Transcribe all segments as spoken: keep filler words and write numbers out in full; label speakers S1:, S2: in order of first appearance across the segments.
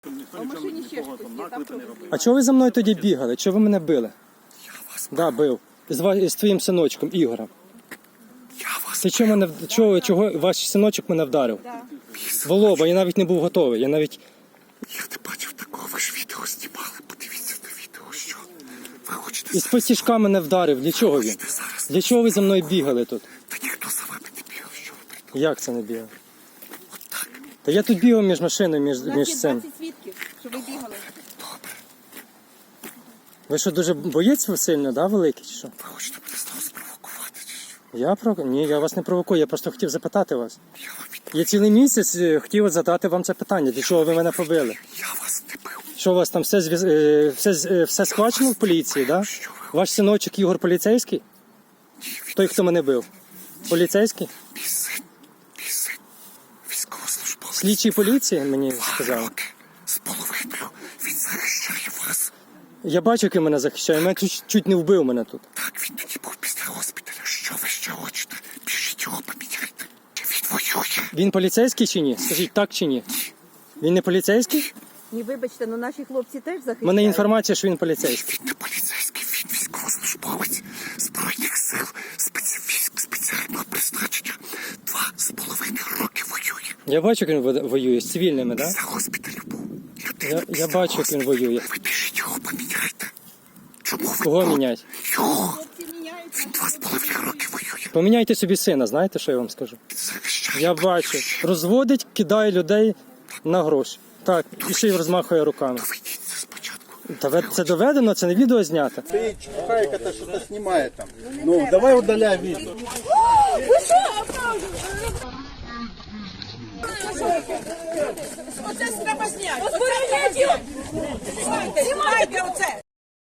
S1: Ніхто нічого нікого там наклепи не робив.
S2: А чого ви за мною тоді бігали? Чого ви мене били?
S3: Я вас
S2: Да, бив. З, ва- з твоїм синочком Ігорем.
S3: Я вас
S2: Ти чого мене в- чого, чого ваш синочок мене вдарив? В лоба, я навіть не був готовий. Я навіть
S3: Я не бачив такого, ви ж відео знімали. Подивіться на відео, що ви хочете
S2: із
S3: зараз.
S2: потяжка мене вдарив. Для чого він?
S3: Хочете зараз.
S2: Для чого ви за мною бігали тут?
S3: Та ніхто за вами не бігав, що ви придумали.
S2: Як це не бігав?
S3: Отак.
S2: Та я тут бігав між машиною, між,
S1: У нас
S2: між
S1: є
S2: цим.
S1: двадцять свідків, що ви бігали.
S3: Добре.
S2: Ви що, дуже боєць ви сильно, да, великий чи що?
S3: Ви хочете мене знову спровокувати, чи що?
S2: Я про ні, я вас не провокую, я просто хотів запитати вас.
S3: Я вам відповім.
S2: Я цілий місяць е, хотів задати вам це питання. Для чого ви мене побили?
S3: Я вас не бив.
S2: Що у вас там все зв'яз- е, все, з- е, все схвачено в поліції, да? Ваш синочок Ігор поліцейський? Той, хто мене бив? Поліцейський?
S3: Мій син, мій син, військовослужбовець.
S2: Слідчий поліції мені
S3: Два
S2: сказали.
S3: роки з половиною він захищає вас.
S2: Я бачу, який мене захищає. Мене чуть, чуть не вбив мене тут.
S3: Так, він тоді був після госпіталя. Що ви ще хочете? Біжіть його поміняйте. Чи він воює?
S2: Він поліцейський чи ні? Скажіть, так чи ні? Він не поліцейський?
S1: Ні, вибачте, але наші хлопці теж захищають.
S2: У мене інформація, що він поліцейський.
S3: Він не поліцейський, він військовослужбовець Збройних сил спеці... військ спеціального призначення. Два з половиною роки воює.
S2: Я бачу, як він во- воює з цивільними, так? Да?
S3: За госпіталю був. Людина
S2: Я, я
S3: після
S2: бачу, як він
S3: госпіталю.
S2: воює.
S3: Ви біжіть його поміняйте. Чому ви
S2: Кого
S3: тут?
S2: міняти?
S3: Його.
S1: Хлопці міняють.
S3: Він два з половиною роки воює.
S2: Поміняйте собі сина, знаєте, що я вам скажу?
S3: Він захищає.
S2: Я бачу. Розводить, кидає людей на гроші. Так, і ще й розмахує руками.
S3: Доведіть це спочатку.
S2: Та ви- це доведено, це не відео знято.
S4: Ты чухайка-то что-то снимает там. Ну, давай удаляй видео.
S5: Оце треба зняти. Оце знімайте, знімайте оце.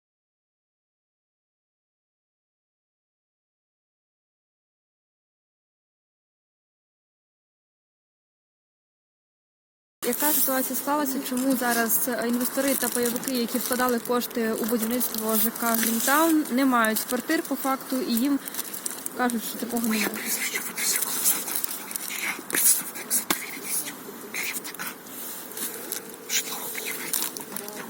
S6: Яка ситуація склалася? Чому зараз інвестори та пайовики, які вкладали кошти у будівництво ЖК Грінтаун, не мають квартир по факту і їм кажуть, що такого немає?
S3: Прізвище Федосів Олександр. Я представник за довіреністю керівника житлово-будівельного кооперативу.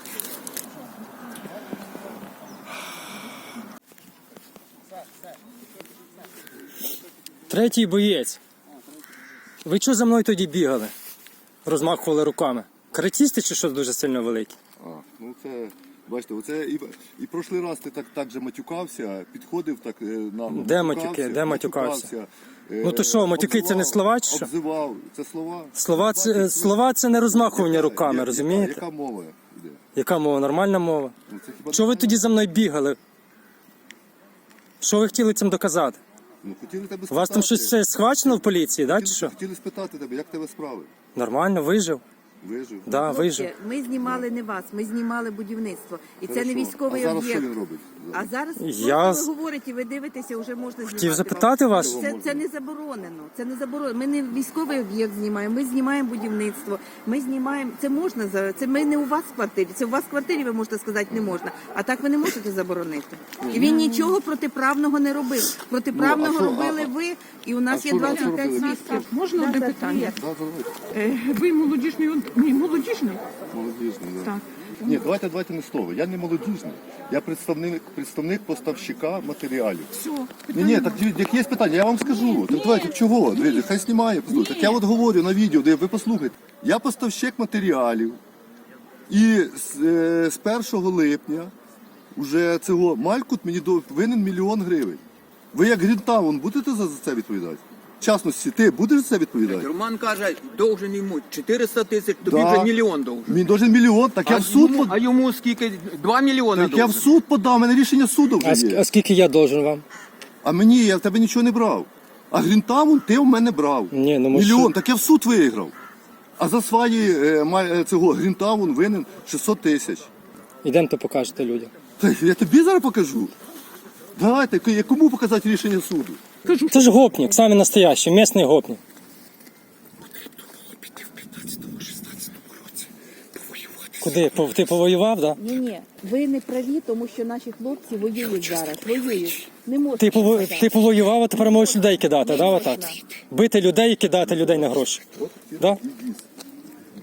S2: Третій боєць. Ви чого за мною тоді бігали? Розмахували руками. Каратісти чи що дуже сильно великі?
S7: А, ну це, бачите, оце і, і прошлий раз ти так, так же матюкався, підходив так е, нагло.
S2: Де
S7: матюкався,
S2: матюки? Де матюкався?
S7: е,
S2: Ну то що, матюки це не
S7: обзивав-
S2: слова чи що?
S7: Обзивав, це слова.
S2: Слова це,
S7: Бачите,
S2: слова це не розмахування
S7: яка-
S2: руками,
S7: яка-
S2: розумієте?
S7: Яка мова йде?
S2: Яка мова? Нормальна мова?
S7: Ну, це хіба
S2: Чого ви
S7: не-
S2: тоді за мною бігали? Що ви хотіли цим доказати?
S7: Ну, хотіли тебе
S2: У
S7: спитати.
S2: вас там щось все схвачено в поліції, да, чи
S7: хотіли,
S2: що?
S7: хотіли спитати тебе, як тебе справи?
S2: Нормально, вижив?
S7: Вижив?
S2: Да, вижив.
S1: Хлопці, ми знімали не вас, ми знімали будівництво. І це не
S7: Хорошо.
S1: військовий
S7: А зараз
S1: об'єкт.
S7: що він робить?
S1: А зараз
S2: Я
S1: просто
S2: з-
S1: ви говорите, ви дивитеся, вже можна знімати.
S2: Хотів
S1: вам.
S2: запитати вас.
S1: Це, це не заборонено. Це не заборонено. Ми не військовий об'єкт знімаємо. Ми знімаємо будівництво. Ми знімаємо. Це можна за це. Ми не у вас в квартирі. Це у вас в квартирі ви можете сказати не можна. А так ви не можете заборонити. І він нічого протиправного не робив. Протиправного
S7: Ну, а що-
S1: робили
S7: а-
S1: ви, і у нас
S7: а
S1: є
S7: що- а що
S1: двадцять п'ять
S7: робили?
S1: свідків.
S5: Можна одне питання?
S7: Да, давайте.
S5: Е, Ви молодіжний, ні, молодіжний?
S7: Молодіжний, да.
S5: Так.
S7: Ні, давайте, давайте не слово. Я не молодіжний. Я представник, представник поставщика матеріалів.
S5: Все,
S7: Ні, ні, так як є питання, я вам скажу. Так давайте чого? Дивіться, хай знімає, послухайте. Так я от говорю на відео, де ви послухайте. Я поставщик матеріалів. І з, е, з першого липня уже цього Малькут мені до- винен мільйон гривень. Ви як Грінтаун будете за за це відповідати? В частності, ти будеш за це відповідати?
S8: Роман каже, должен йому чотириста тисяч, тобі
S7: Да.
S8: вже мільйон должен.
S7: Мені должен мільйон, так я
S8: А
S7: в суд
S8: йому,
S7: под...
S8: а йому скільки? Два мільйони
S7: Так я в
S8: должен.
S7: суд подав, у мене рішення суду
S2: А,
S7: вже
S2: ск-
S7: є.
S2: а скільки я должен вам?
S7: А мені, я в тебе нічого не брав. А Грінтаун ти в мене брав.
S2: Ні, ну, ми
S7: Мільйон,
S2: що-
S7: так я в суд виграв. А за свої е, ма- е, цього Грінтаун винен шістсот тисяч.
S2: Ідемте покажете людям.
S7: Та я тобі зараз покажу. Давайте, к- кому показати рішення суду?
S2: Це ж гопник, самий настоящий, місний гопник.
S3: Потрібно було піти в п'ятнадцятому-шістнадцятому році, повоювати.
S2: Куди? По- Ти повоював, да?
S1: Ні, ні, ви не праві, тому що наші хлопці воюють зараз. Воюють. Не можна.
S2: Ти, пово...
S1: сказати.
S2: ти повоював, а тепер можеш людей кидати, да,
S1: можна.
S2: отак? Бити людей і кидати людей на гроші. Да?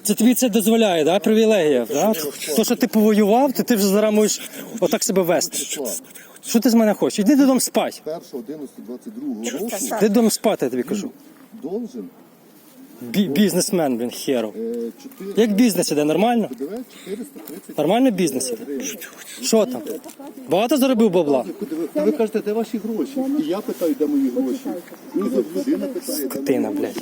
S2: Це тобі це дозволяє, да? Привілегія, да? То, що ти повоював, то ти вже зараз можеш отак себе вести. Що ти з мене хочеш? Іди додому спати.
S7: першого одинадцятого двадцять другого року
S2: Іди додому спати, я тобі кажу.
S7: должен
S2: Бі- бізнесмен, блін, херов.
S7: е, чотири
S2: Як бізнес іде, нормально?
S7: чотириста тридцять.
S2: Нормально бізнес іде? Що там? Багато заробив бабла?
S7: Ви, ви кажете, де ваші гроші? І я питаю, де мої гроші. І людина питає, де
S2: Скотина,
S7: мої
S2: блядь.